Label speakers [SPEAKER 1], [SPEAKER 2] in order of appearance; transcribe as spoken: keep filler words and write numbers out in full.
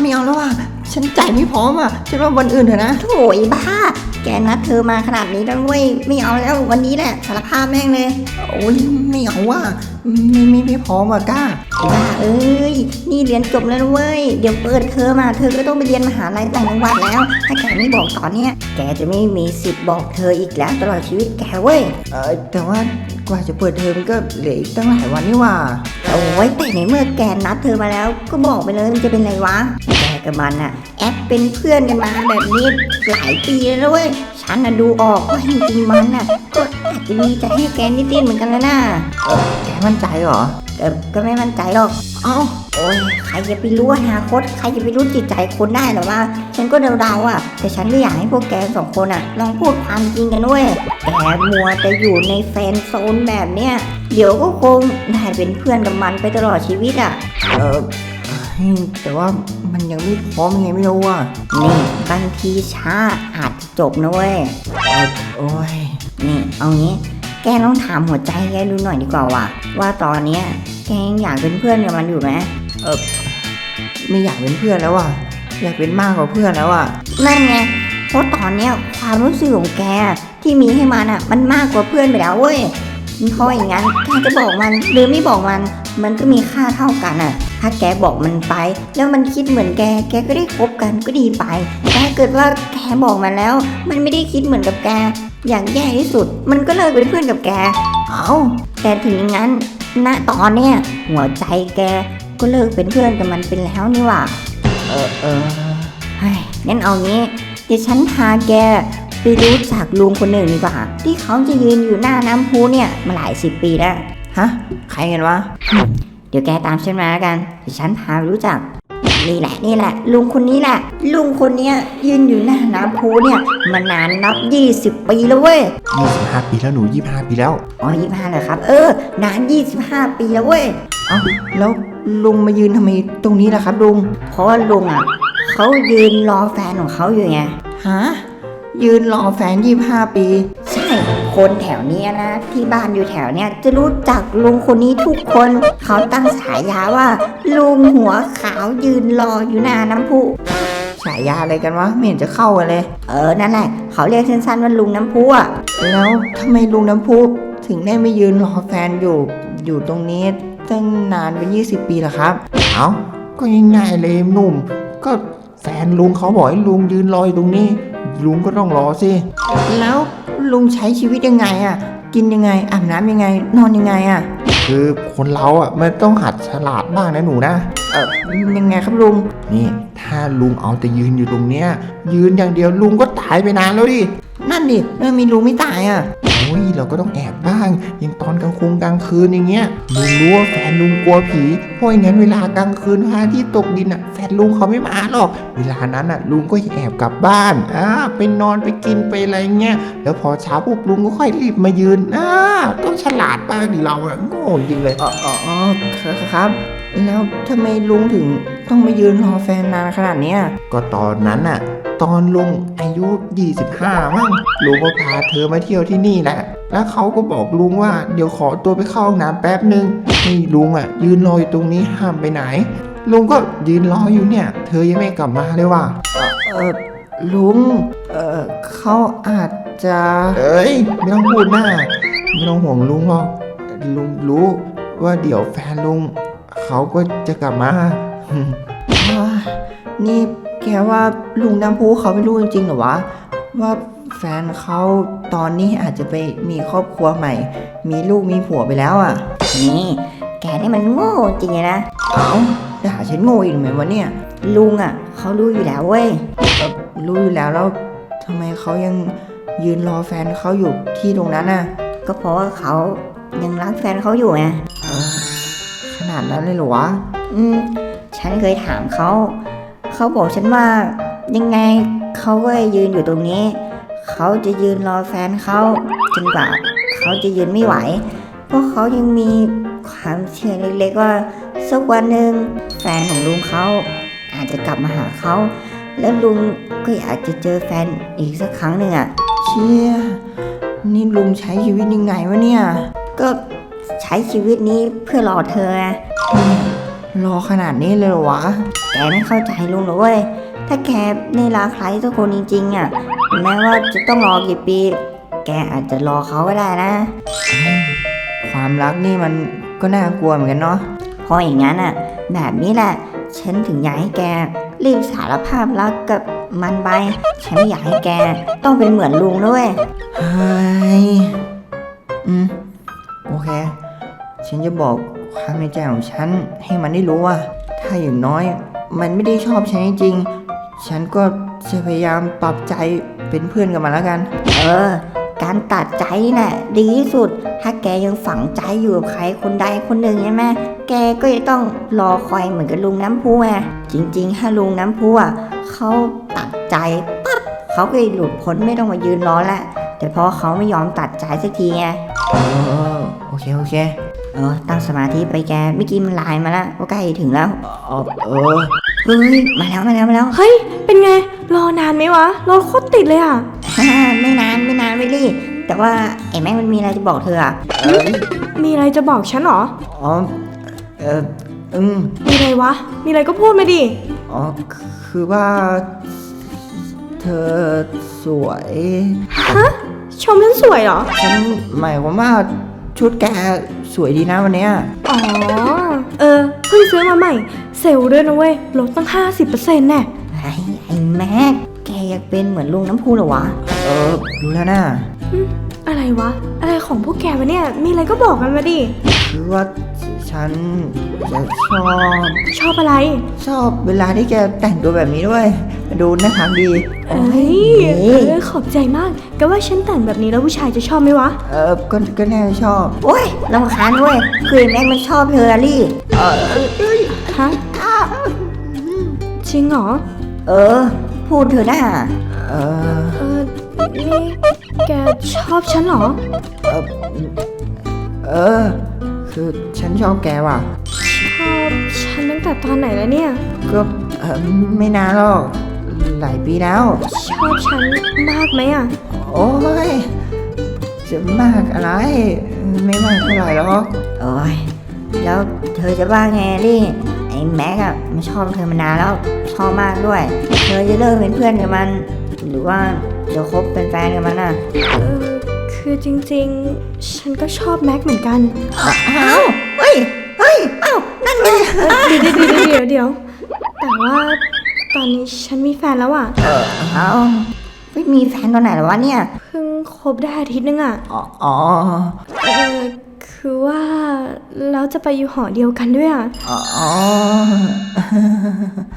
[SPEAKER 1] ไม่เอาแล้วว่ะฉันจ่ายไม่พร้อมอ่ะฉันว่าวันอื่นเถอะนะ
[SPEAKER 2] โถ่ไอ้บ้าแกนัดเธอมาขนาดนี้แล้วเว้ยไม่เอาแล้ววันนี้แหละสารภาพแม่งเลย
[SPEAKER 1] โอ้ยไม่เอาว่ะไม่ไม่ไม่พร้อมอ่ะก้า
[SPEAKER 2] บ้าเอ้ยนี่เรียนจบแล้วเว้ยเดี๋ยวเปิดเทอมมาเธอก็ต้องไปเรียนมหาลัยต่างจังหวัดแล้วถ้าแกไม่บอกตอนเนี้ยแกจะไม่มีสิทธิ์บอกเธออีกแล้วตลอดชีวิตแกเว้ย
[SPEAKER 1] เออแต่ว่ากว่าจะเปิดเทอมก็เหลืออีกตั้งหลายวันนี่ว่า
[SPEAKER 2] โอ้ยแต่ในเมื่อแกนัดเธอมาแล้วก็บอกไปเลยมันจะเป็นไรวะแกกับมันอะแอปเป็นเพื่อนกันมาแบบนี้หลายปีแล้วเว้ยฉันน่ะดูออกว่าจริงๆมันน่ะก็อาจจะมีใจให้แกนิดๆเหมือนกันแล้วนะ
[SPEAKER 1] เออแกมั่นใจเหรอ
[SPEAKER 2] เออก็ไม่มั่นใจหรอก
[SPEAKER 1] เอ้า
[SPEAKER 2] โอ้ยใครจะไปรู้อนาคตใครจะไปรู้จิตใจคนได้หรอว่าฉันก็เดาๆอ่ะแต่ฉันก็อยากให้พวกแกสองคนอ่ะลองพูดความจริงกันด้วยแกมัวแต่อยู่ในแฟนโซนแบบเนี้ยเดี๋ยวก็คงได้เป็นเพื่อนกับมันไปตลอดชีวิตอ่ะ
[SPEAKER 1] เออแต่ว่ามันยังไม่พร้อมไงไม่รู้อ่ะ
[SPEAKER 2] นี่บางทีช้าอาจจบนะเว้ย
[SPEAKER 1] โอ้ย
[SPEAKER 2] นี่เอางี้แกลองถามหัวใจแกดูหน่อยดีกว่าว่ะว่าตอนเนี้ยแกยังอยากเป็นเพื่อนกับมันอยู่ไหม
[SPEAKER 1] เออไม่อยากเป็นเพื่อนแล้วอ่ะอยากเป็นมากกว่าเพื่อนแล้วอ่ะ
[SPEAKER 2] นั่นไงเพราะตอนเนี้ยความรู้สึกของแกที่มีให้มันอ่ะมันมากกว่าเพื่อนไปแล้วเว้ยเพราะอย่างงั้นแกจะบอกมันหรือไม่บอกมันมันก็มีค่าเท่ากันอ่ะถ้าแกบอกมันไปแล้วมันคิดเหมือนแกแกก็ได้คบกันก็ดีไปแต่ถ้าเกิดว่าแกบอกมันแล้วมันไม่ได้คิดเหมือนกับแกอย่างแย่ที่สุดมันก็เลิกเป็นเพื่อนกับแก
[SPEAKER 1] เอ้า
[SPEAKER 2] แต่ถึงอย่างนั้นณตอนเนี้ยหัวใจแกก็เลิกเป็นเพื่อนกับมันเป็นแล้วนี่หว่า
[SPEAKER 1] เออเออ
[SPEAKER 2] เฮ้ยงั้นเอางี้เดี๋ยวฉันพาแกไปรู้จักลุงคนหนึ่งดีกว่าที่เขาจะยืนอยู่หน้าน้ำพุเนี่ยมาหลายสิบปีแล้ว
[SPEAKER 1] ฮะใครกันวะ
[SPEAKER 2] เดี๋ยวแกตามฉันมาแล้วกันเดี๋ยวฉันพาไปรู้จักนี่แหละนี่แหละลุงคนนี้แหละลุงคนนี้ยืนอยู่หน้าน้ำพุเนี่ยมานานนับยี่สิบปีแล้วเว้ย
[SPEAKER 1] ยี่สิบห้าปีแล้วหนูยี่สิบห้าปีแล้ว
[SPEAKER 2] อ๋อยี่สิบห้าเลยครับเออนานยี่สิบห้าปีแล้วเว้ย
[SPEAKER 1] เอ้าแล้วลุงมายืนทำไมตรงนี้ล่ะครับลุง
[SPEAKER 2] เพราะว่าลุงอ่ะเขายืนรอแฟนของเขาอยู่ไง
[SPEAKER 1] ฮะยืนรอแฟนยี่สิบห้าปี
[SPEAKER 2] ใช่คนแถวนี้นะที่บ้านอยู่แถวเนี้ยจะรู้จักลุงคนนี้ทุกคนเขาตั้งฉายาว่าลุงหัวขาวยืนรออยู่หน้าน้ำพุ
[SPEAKER 1] ฉายาอะไรกันวะไม่เห็นจะเข้ากันเลย
[SPEAKER 2] เออนั่นแหละเขาเรียกสั้นๆว่าลุงน้ำพุอ่ะ
[SPEAKER 1] แล้วทำไมลุงน้ำพุถึงได้ไม่ยืนรอแฟนอยู่อยู่ตรงนี้ตั้งนานเป็นยี่สิบปีล่ะครับเอ้าก็ง่ายๆเลยหนุ่มก็แฟนลุงเขาบอกให้ลุงยืนรออยู่ตรงนี้ลุงก็ต้องรอสิแล้วลุงใช้ชีวิตยังไงอ่ะกินยังไงอาบน้ำยังไงนอนยังไงอ่ะคือคนเราอ่ะมันต้องหัดฉลาดบ้างนะหนูนะเออยังไงครับลุงนี่ถ้าลุงเอาแต่ยืนอยู่ตรงเนี้ยยืนอย่างเดียวลุงก็ตายไปนานแล้วดินั่นดิแล้วมีลุงไม่ตายอ่ะโอ้ยเราก็ต้องแอบบ้างอย่างตอนกลางคืนกลางคืนอย่างเงี้ยลุงรู้ว่าแฟนลุงกลัวผีเพราะงั้นเวลากลางคืนพระอาทิตย์ตกดินอ่ะแฟนลุงเขาไม่มาหรอกเวลานั้นอ่ะลุงก็แอบกลับบ้านอ่าไปนอนไปกินไปอะไรเงี้ยแล้วพอเช้าปุ๊บลุงก็ค่อยรีบมายืนอ่าต้องฉลาดบ้างดิเราอ่ะโง่จริงเลยอ๋ออ๋อครับแล้วทำไมลุงถึงต้องมายืนรอแฟนนานขนาดนี้ก็ตอนนั้นอ่ะตอนลุงอายุยี่สิบห้ามั้งลุงก็พาเธอมาเที่ยวที่นี่แหละแล้วเขาก็บอกลุงว่าเดี๋ยวขอตัวไปเข้าห้องน้ำแป๊บนึงให้ลุงอ่ะยืนรออยู่ตรงนี้ห้ามไปไหนลุงก็ยืนรออยู่เนี่ยเธอยังไม่กลับมาเลยว่ะเออลุงเออเขาอาจจะเอ้ยไม่ต้องพูดหน้าไม่ต้องห่วงลุงหรอกลุงรู้ว่าเดี๋ยวแฟนลุงเขาก็จะกลับมานี่แกว่าลุงน้ำพุเขาไม่รู้จริงๆหรอวะว่าแฟนเขาตอนนี้อาจจะไปมีครอบครัวใหม่มีลูกมีผัวไปแล้วอ่ะ
[SPEAKER 2] นี่แกนี่มันโง่จริงๆนะ
[SPEAKER 1] เอ้าด่าฉันโง่อีกไหมวะเนี่ย
[SPEAKER 2] ลุงอ่ะเขารู้อยู่แล้วเว้ย
[SPEAKER 1] รู้อยู่แล้วแล้วทำไมเขายังยืนรอแฟนเขาอยู่ที่ตรงนั้นน่ะ
[SPEAKER 2] ก็เพราะว่าเขายังรักแฟนเขาอยู่ไง
[SPEAKER 1] ขนาดนั้นเลยเหรอวะ
[SPEAKER 2] อืมฉันเคยถามเขาเขาบอกฉันว่ายังไงเขาก็ยืนอยู่ตรงนี้เขาจะยืนรอแฟนเขาจนกว่าเขาจะยืนไม่ไหวเพราะเขายังมีความเชื่อเล็กๆว่าสักวันหนึ่งแฟนของลุงเขาอาจจะกลับมาหาเขาแล้วลุงก็อยากจะเจอแฟนอีกสักครั้งหนึ่งอ่ะ
[SPEAKER 1] เชี่ยนี่ลุงใช้ชีวิตยังไงวะเนี่ย
[SPEAKER 2] ก็ใช้ชีวิตนี้เพื่อรอเธอ
[SPEAKER 1] รอขนาดนี้เลยเหรอวะ
[SPEAKER 2] แกไม่เข้าใจลุงหรอกเว้ย ถ้าแกในรักใครสักคนจริงๆอ่ะ แม้ว่าจะต้องรอกี่ปี แกอาจจะรอเขาก็ได้นะ
[SPEAKER 1] ความรักนี่มันก็น่ากลัวเหมือนกันเนาะ
[SPEAKER 2] เพราะอย่างนั้นอ่ะ แบบนี้แหละ ฉันถึงอยากให้แกรีบสารภาพรักกับมันไป ฉันไม่อยากให้แกต้องเป็นเหมือนลุงด้วย
[SPEAKER 1] เฮ้ย อืม โอเค ฉันจะบอกความในใจของฉันให้มันได้รู้ว่า ถ้าอย่างน้อย มันไม่ได้ชอบฉันจริงๆ ฉันก็จะพยายามปรับใจเป็นเพื่อนกับมันแล้วกัน
[SPEAKER 2] เออ การตัดใจนี่แหละดีที่สุด ถ้าแกยังฝังใจอยู่กับใครคนใดคนหนึ่งใช่ไหมแกก็จะต้องรอคอยเหมือนกับลุงน้ำพุไงจริงๆ ถ้าลุงน้ำพุอ่ะเขาตัดใจปั๊บเขาก็จะหลุดพ้นไม่ต้องมายืนรอละแต่เพราะเขาไม่ยอมตัดใจสักทีไง
[SPEAKER 1] เออ โอเค โอเค
[SPEAKER 2] เออ ตั้งสมาธิไปแกเมื่อกี้มันไลน์มาแล้วว่าใกล้ถึงแล้ว
[SPEAKER 1] เออเออ
[SPEAKER 2] เฮ้ย มาแล้วมาแล้วมาแล้ว
[SPEAKER 3] เฮ้ย เป็นไง รอนานไหมวะ รถโคตรติดเลยอ่ะ
[SPEAKER 2] ฮ่าไม่นานไม่นานไม่รีบแต่ว่าไอ้แม่งมันมีอะไรจะบอกเธออ่ะ
[SPEAKER 3] มีอะไรจะบอกฉันเหรอ
[SPEAKER 1] อ๋อ เอออืม
[SPEAKER 3] มีอะไรวะ มีอะไรก็พูดมาดิ
[SPEAKER 1] อ๋อ คือว่า เธอสวย
[SPEAKER 3] ชมฉันสวยเหรอ
[SPEAKER 1] ฉันหมายความว่าชุดแกสวยดีนะวันเนี้ย
[SPEAKER 3] อ๋อ เออ เพิ่งซื้อมาใหม่ เซลล์ด้วยนะเว้ย ลดตั้ง ห้าสิบเปอร์เซ็นต์ แน่
[SPEAKER 2] ไอ้ไอ้แม็กแกอยากเป็นเหมือนลุงน้ำพุเหรอวะ
[SPEAKER 1] เออ รู้แล้วนะ
[SPEAKER 3] อะไรวะ อะไรของพวกแกวะเนี่ย มีอะไรก็บอกกันมาดิ
[SPEAKER 1] คือว่าฉันจะชอบ
[SPEAKER 3] ชอบอะไร
[SPEAKER 1] ชอบเวลาที่แกแต่งตัวแบบนี้ด้วย ดูน่ารักดี
[SPEAKER 3] เอ้ย เออ ขอบใจมากก็ว่าฉันแต่งแบบนี้แล้วผู้ชายจะชอบไหมวะ
[SPEAKER 1] เออ ก็ก็แน่ชอบ
[SPEAKER 2] โอ้ยรำคาญเว้ยคือไอ้แม็กมันชอบเธออะลี่
[SPEAKER 3] ฮะ จริงเหรอ
[SPEAKER 2] เออ พูดเธอหน้า
[SPEAKER 1] เออ
[SPEAKER 3] เออ นี่แกชอบฉันเหรอ
[SPEAKER 1] เออ เออ คือฉันชอบแกว่ะ
[SPEAKER 3] ชอบฉันตั้งแต่ตอนไหนแล้วเนี่ย
[SPEAKER 1] ก็เออไม่นานหรอก หลายปีแล้ว
[SPEAKER 3] ชอบฉันมากไหมอ่ะ
[SPEAKER 1] โอ้ย จะมากอะไร ไม่มากเท่าไหร่หรอก
[SPEAKER 2] โอ้ยแล้วเธอจะว่าไงลี่ไอ้แม็กอะมันชอบเธอมานานแล้วชอบมากด้วย เธอจะเลิกเป็นเพื่อนกับมัน หรือว่าจะคบเป็นแฟนกับมันอะ
[SPEAKER 3] เออ คือจริงๆ ฉันก็ชอบแม็กเหมือนกัน
[SPEAKER 2] อ้าวเฮ้ยเฮ้ยอ้าวนั่นไง
[SPEAKER 3] เดี๋ยวเดี๋ยวเดี๋ยวเดี๋ยวแต่ว่าตอนนี้ฉันมีแฟนแล้วอ่ะ
[SPEAKER 2] อ้าวไม่มีแฟนตอนไหนหรอวะเนี่ย
[SPEAKER 3] เพิ่งคบได้อาทิตย์นึงอ่ะ
[SPEAKER 1] อ๋ออ๋อ
[SPEAKER 3] เออ คือว่าเราจะไปอยู่หอเดียวกันด้วยอ่ะ
[SPEAKER 1] อ๋อ